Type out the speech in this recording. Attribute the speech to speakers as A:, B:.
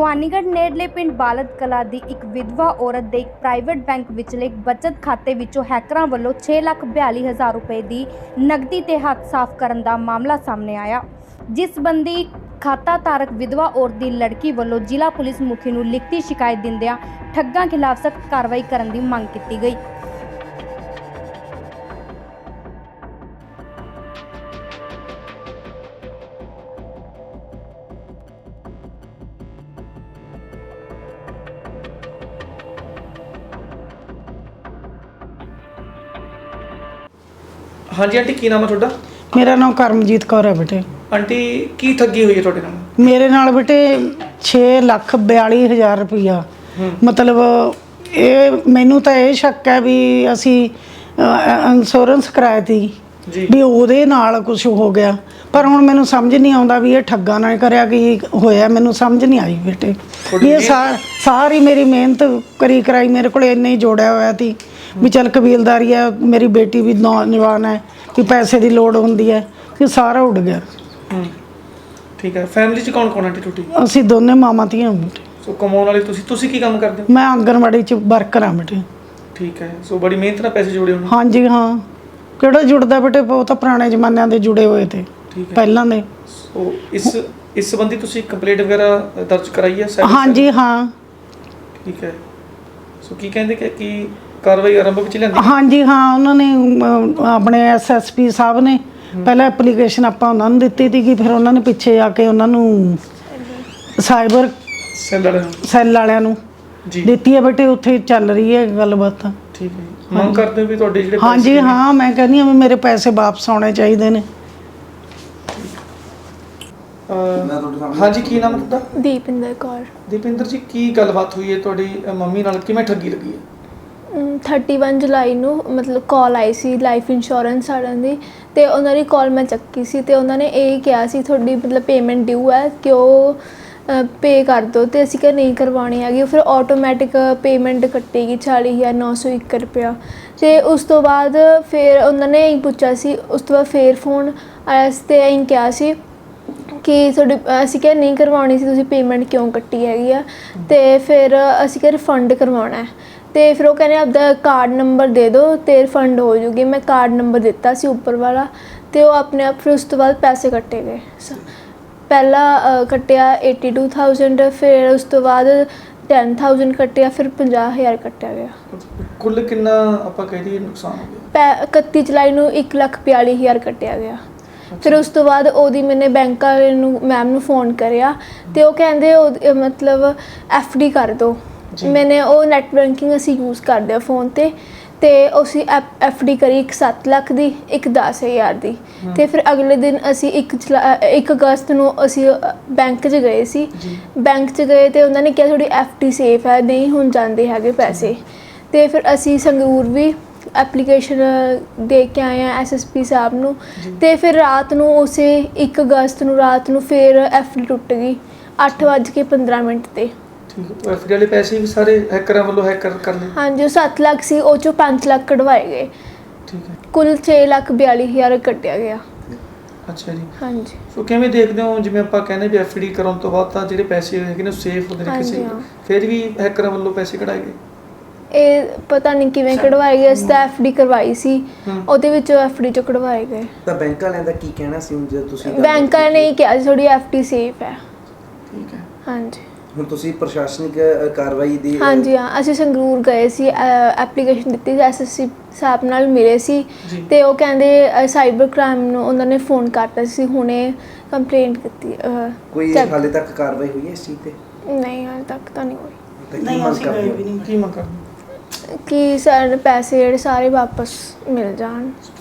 A: ਭਵਾਨੀਗੜ੍ਹ ਨੇੜਲੇ ਪਿੰਡ ਬਾਲਦ ਕਲਾਂ ਦੀ ਇੱਕ ਵਿਧਵਾ ਔਰਤ ਦੇ ਇੱਕ ਪ੍ਰਾਈਵੇਟ ਬੈਂਕ ਵਿਚਲੇ ਇੱਕ ਬਚਤ ਖਾਤੇ ਵਿੱਚੋਂ ਹੈਕਰਾਂ ਵੱਲੋਂ 6,42,000 ਰੁਪਏ ਦੀ ਨਕਦੀ ਤੇ ਹੱਥ ਸਾਫ਼ ਕਰਨ ਦਾ ਮਾਮਲਾ ਸਾਹਮਣੇ ਆਇਆ। ਜਿਸ ਸੰਬੰਧੀ ਖਾਤਾ ਧਾਰਕ ਵਿਧਵਾ ਔਰਤ ਦੀ ਲੜਕੀ ਵੱਲੋਂ ਜ਼ਿਲ੍ਹਾ ਪੁਲਿਸ ਮੁਖੀ ਨੂੰ ਲਿਖਤੀ ਸ਼ਿਕਾਇਤ ਦਿੰਦਿਆਂ ਠੱਗਾਂ ਖਿਲਾਫ ਸਖਤ ਕਾਰਵਾਈ ਕਰਨ ਦੀ ਮੰਗ ਕੀਤੀ ਗਈ।
B: हाँ जी आंटी की नाम है थोड़ा?
C: मेरा नाम करमजीत कौर है बेटे।
B: आंटी की ठगी हुई है थोड़े नाल?
C: मेरे नाल बेटे 6,42,000 रुपया मतलब ये मैनू तो ये शक है भी असी इंश्योरेंस कराई थी भी ਉਹਦੇ ਨਾਲ ਕੁਝ ਹੋ ਗਿਆ ਪਰ ਹੁਣ ਮੈਨੂੰ ਸਮਝ ਨਹੀਂ ਆਉਂਦਾ ਵੀ ਇਹ ਠੱਗਾ ਨਾ ਕਰਿਆ ਕਿ ਹੋਇਆ ਮੈਨੂੰ ਸਮਝ ਨਹੀਂ ਆਈ ਬੇਟੇ। ਇਹ ਸਾਰੀ ਮੇਰੀ ਮਿਹਨਤ ਕਰੀ ਕਰਾਈ ਮੇਰੇ ਕੋਲ ਇੰਨੇ ਹੀ ਜੋੜਿਆ ਹੋਇਆ ਸੀ ਵੀ ਚਲ ਕਬੀਲਦਾਰੀ ਹੈ ਮੇਰੀ ਬੇਟੀ ਵੀ ਨੌਜਵਾਨ ਹੈ ਕਿ ਪੈਸੇ ਦੀ ਲੋੜ ਹੁੰਦੀ ਹੈ ਕਿ ਸਾਰਾ ਉੱਡ ਗਿਆ।
B: ਠੀਕ ਹੈ ਫੈਮਿਲੀ ਚ ਕੌਣ ਆਂਟੀ ਟੁੱਟੀ?
C: ਅਸੀਂ ਦੋਨੇ ਮਾਮਾ ਧੀਆਂ ਬੇਟੇ।
B: ਸੋ ਕਮਾਉਣ ਵਾਲੇ ਤੁਸੀਂ ਕੀ ਕੰਮ ਕਰਦੇ ਹੋ?
C: ਮੈਂ ਆਂਗਣਵਾੜੀ ਚ ਵਰਕਰ ਹਾਂ ਬੇਟੇ।
B: ਠੀਕ ਹੈ ਸੋ ਬੜੀ ਮਿਹਨਤ ਨਾਲ ਪੈਸੇ ਜੋੜੇ ਹੋਣੇ।
C: ਹਾਂਜੀ ਹਾਂ ਕਿਹੜਾ ਜੁੜਦਾ ਬੇਟੇ ਉਹ ਤਾਂ ਪੁਰਾਣੇ ਜ਼ਮਾਨਿਆਂ ਦੇ ਜੁੜੇ ਹੋਏ ਤੇ ਪਹਿਲਾਂ ਦੇ।
B: ਸੋ ਇਸ ਸੰਬੰਧੀ ਤੁਸੀਂ ਕੰਪਲੇਂਟ ਵਗੈਰਾ ਦਰਜ ਕਰਾਈ ਹੈ?
C: ਹਾਂਜੀ ਹਾਂ।
B: ਠੀਕ ਹੈ ਸੋ ਕੀ ਕਹਿੰਦੇ ਕਿ ਕਾਰਵਾਈ ਆਰੰਭ ਵਿੱਚ ਲੈਂਦੀ?
C: ਹਾਂਜੀ ਹਾਂ ਉਹਨਾਂ ਨੇ ਆਪਣੇ ਐਸਐਸਪੀ ਸਾਹਿਬ ਨੇ ਪਹਿਲਾਂ ਐਪਲੀਕੇਸ਼ਨ ਆਪਾਂ ਉਹਨਾਂ ਨੂੰ ਦਿੱਤੀ ਸੀਗੀ ਫਿਰ ਉਹਨਾਂ ਨੇ ਪਿੱਛੇ ਆ ਕੇ ਉਹਨਾਂ ਨੂੰ ਸਾਈਬਰ ਸੈੱਲ ਵਾਲਿਆਂ ਨੂੰ ਦਿੱਤੀ ਹੈ ਬੇਟੇ। ਉੱਥੇ ਚੱਲ ਰਹੀ ਹੈ ਗੱਲਬਾਤ।
B: ਠੀਕ ਹੈ ਮੰਗ ਕਰਦੇ ਹੋ ਵੀ ਤੁਹਾਡੇ ਜਿਹੜੇ
C: ਹਾਂਜੀ ਹਾਂ ਮੈਂ ਕਹਿੰਦੀ ਹਾਂ ਵੀ ਮੇਰੇ ਪੈਸੇ ਵਾਪਸ ਆਉਣੇ ਚਾਹੀਦੇ ਨੇ।
B: ਹਾਂਜੀ ਕੀ ਨਾਮ ਹੈ ਤੁਹਾਡਾ?
D: ਦੀਪਿੰਦਰ ਕੌਰ।
B: ਦੀਪਿੰਦਰ ਜੀ ਕੀ ਗੱਲਬਾਤ ਹੋਈ ਹੈ ਤੁਹਾਡੀ ਮੰਮੀ ਨਾਲ ਕਿਵੇਂ ਠੱਗੀ ਲੱਗੀ ਹੈ?
D: 31 ਜੁਲਾਈ ਨੂੰ ਮਤਲਬ ਕਾਲ ਆਈ ਸੀ ਲਾਈਫ ਇੰਸ਼ੋਰੈਂਸ ਵਾਲਿਆਂ ਦੀ ਤੇ ਉਹਨਾਂ ਦੀ ਕਾਲ ਮੈਂ ਚੱਕੀ ਸੀ ਤੇ ਉਹਨਾਂ ਨੇ ਇਹ ਕਿਹਾ ਸੀ ਤੁਹਾਡੀ ਮਤਲਬ ਪੇਮੈਂਟ ਡਿਊ ਹੈ ਕਿ ਉਹ ਪੇ ਕਰ ਦਿਓ ਤੇ ਅਸੀਂ ਕਿਹਾ ਨਹੀਂ ਕਰਵਾਉਣੀ ਹੈਗੀ। ਫਿਰ ਆਟੋਮੈਟਿਕ ਪੇਮੈਂਟ ਕੱਟੇਗੀ 40,901 ਰੁਪਇਆ। ਤੇ ਉਸ ਤੋਂ ਬਾਅਦ ਫਿਰ ਉਹਨਾਂ ਨੇ ਇਹੀ ਪੁੱਛਿਆ ਸੀ। ਉਸ ਤੋਂ ਬਾਅਦ ਫਿਰ ਫੋਨ ਆਇਆ ਸੀ ਤੇ ਇਹੀ ਕਿਹਾ ਸੀ ਕਿ ਤੁਹਾਡੀ ਅਸੀਂ ਕਿਹਾ ਨਹੀਂ ਕਰਵਾਉਣੀ ਸੀ ਤੁਸੀਂ ਪੇਮੈਂਟ ਕਿਉਂ ਕੱਟੀ ਹੈਗੀ ਆ ਤੇ ਫਿਰ ਅਸੀਂ ਕਿਹਾ ਰਿਫੰਡ ਕਰਵਾਉਣਾ ਹੈ ਤੇ ਫਿਰ ਉਹ ਕਹਿੰਦੇ ਆਪਦਾ ਕਾਰਡ ਨੰਬਰ ਦੇ ਦਿਓ ਤੇ ਰਿਫੰਡ ਹੋ ਜੂਗੀ। ਮੈਂ ਕਾਰਡ ਨੰਬਰ ਦਿੱਤਾ ਸੀ ਉੱਪਰ ਵਾਲਾ ਤੇ ਉਹ ਆਪਣੇ ਆਪ ਫਿਰ ਉਸ ਤੋਂ ਬਾਅਦ ਪੈਸੇ ਕੱਟੇ ਗਏ। ਪਹਿਲਾ ਕੱਟਿਆ 82,000 ਫਿਰ ਉਸ ਤੋਂ ਬਾਅਦ 10,000 ਕੱਟਿਆ ਫਿਰ 50,000 ਕੱਟਿਆ ਗਿਆ।
B: ਕੁੱਲ ਕਿੰਨਾ ਆਪਾਂ ਕਹਿ ਦਈਏ ਨੁਕਸਾਨ ਹੋ ਗਿਆ?
D: 31 ਜੁਲਾਈ ਨੂੰ 1,42,000 ਕੱਟਿਆ ਗਿਆ। ਫਿਰ ਉਸ ਤੋਂ ਬਾਅਦ ਉਹਦੀ ਮੈਨੇ ਬੈਂਕ ਵਾਲੇ ਨੂੰ ਮੈਮ ਨੂੰ ਫੋਨ ਕਰਿਆ ਤੇ ਉਹ ਕਹਿੰਦੇ ਮਤਲਬ FD ਕਰ ਦਿਓ। ਮੈਨੇ ਉਹ ਨੈਟ ਬੈਂਕਿੰਗ ਅਸੀਂ ਯੂਜ਼ ਕਰਦੇ ਆ ਫੋਨ ਤੇ ਅਸੀਂ FD ਕਰੀ ਇੱਕ 7 ਲੱਖ ਦੀ ਇੱਕ 10,000 ਦੀ। ਤੇ ਫਿਰ ਅਗਲੇ ਦਿਨ ਅਸੀਂ 1 ਅਗਸਤ ਨੂੰ ਅਸੀਂ ਬੈਂਕ 'ਚ ਗਏ ਸੀ। ਬੈਂਕ 'ਚ ਗਏ ਤੇ ਉਹਨਾਂ ਨੇ ਕਿਹਾ ਤੁਹਾਡੀ FD ਸੇਫ ਹੈ ਨਹੀਂ ਹੁਣ ਜਾਂਦੇ ਹੈਗੇ ਪੈਸੇ। ਤੇ ਫਿਰ ਅਸੀਂ ਸੰਗਰੂਰ ਵੀ ਐਪਲੀਕੇਸ਼ਨ ਦੇ ਕੇ ਆਏ ਹਾਂ SSP ਸਾਹਿਬ ਨੂੰ ਤੇ ਫਿਰ ਰਾਤ ਨੂੰ ਉਸੇ 1 ਅਗਸਤ ਨੂੰ ਰਾਤ ਨੂੰ ਫਿਰ FD ਟੁੱਟ ਗਈ 8:15 ਤੇ।
B: ਠੀਕ ਹੈ FD ਵਾਲੇ ਪੈਸੇ ਵੀ ਸਾਰੇ ਹੈਕਰਾਂ ਵੱਲੋਂ ਹੈਕਰ ਕਰ ਲਏ? ਹਾਂਜੀ
D: ਉਹ 7 ਲੱਖ ਸੀ ਉਹ 'ਚੋਂ 5 ਲੱਖ ਕਢਵਾਏ ਗਏ।
B: ਠੀਕ ਹੈ
D: ਕੁੱਲ 6,42,000 ਕੱਟਿਆ ਗਿਆ।
B: ਅੱਛਾ ਜੀ
D: ਹਾਂਜੀ
B: ਸੋ ਕਿਵੇਂ ਦੇਖਦੇ ਹੋ ਜਿਵੇਂ ਆਪਾਂ ਕਹਿੰਦੇ ਵੀ FD ਕਰਾਉਣ ਤੋਂ ਬਾਅਦ ਤਾਂ ਜਿਹੜੇ ਪੈਸੇ ਹੈਗੇ ਨੇ ਸੇਫ ਹੁੰਦੇ ਨੇ ਕਿਸੇ ਫਿਰ ਵੀ ਹੈਕਰਾਂ ਵੱਲੋਂ ਪੈਸੇ ਕਢਾਏ ਗਏ? ਇਹ
D: ਪਤਾ ਨਹੀਂ ਕਿਵੇਂ ਕਢਵਾਏ ਗਏ। ਅਸੀਂ ਤਾਂ FD ਕਰਵਾਈ ਸੀ ਉਹਦੇ ਵਿੱਚੋਂ FD 'ਚੋਂ ਕਢਵਾਏ ਗਏ।
E: ਤਾਂ ਬੈਂਕ ਵਾਲਿਆਂ ਦਾ ਕੀ ਕਹਿਣਾ ਸੀ ਜੇ ਤੁਸੀਂ?
D: ਬੈਂਕ ਵਾਲਿਆਂ ਨੇ ਕਿਹਾ ਸੀ ਤੁਹਾਡੀ FD ਸੇਫ ਹੈ।
B: ਠੀਕ ਹੈ
D: ਹਾਂਜੀ
E: ਹੁਣ ਤੁਸੀਂ ਪ੍ਰਸ਼ਾਸਨਿਕ ਕਾਰਵਾਈ ਦੀ?
D: ਹਾਂਜੀ ਹਾਂ ਅਸੀਂ ਸੰਗਰੂਰ ਗਏ ਸੀ ਐਪਲੀਕੇਸ਼ਨ ਦਿੱਤੀ ਸੀ SSP ਸਾਹਿਬ ਨਾਲ ਮਿਲੇ ਸੀ ਤੇ ਉਹ ਕਹਿੰਦੇ ਸਾਈਬਰ ਕ੍ਰਾਈਮ ਨੂੰ ਉਹਨਾਂ ਨੇ ਫੋਨ ਕਰਤਾ ਸੀ ਹੁਣੇ ਕੰਪਲੇਂਟ ਕੀਤੀ।
E: ਕੋਈ ਹਾਲੇ ਤੱਕ ਕਾਰਵਾਈ ਹੋਈ ਹੈ ਇਸ ਚੀਜ਼ ਤੇ?
D: ਨਹੀਂ ਹਾਲੇ ਤੱਕ ਤਾਂ ਨਹੀਂ ਹੋਈ।
C: ਨਹੀਂ ਅਸੀਂ ਗਏ ਵੀ ਨਹੀਂ।
B: ਕੀ ਮੰਗ ਕਰਦੇ?
D: ਕਿ ਸਾਡੇ ਪੈਸੇ ਜਿਹੜੇ ਸਾਰੇ ਵਾਪਸ ਮਿਲ ਜਾਣ।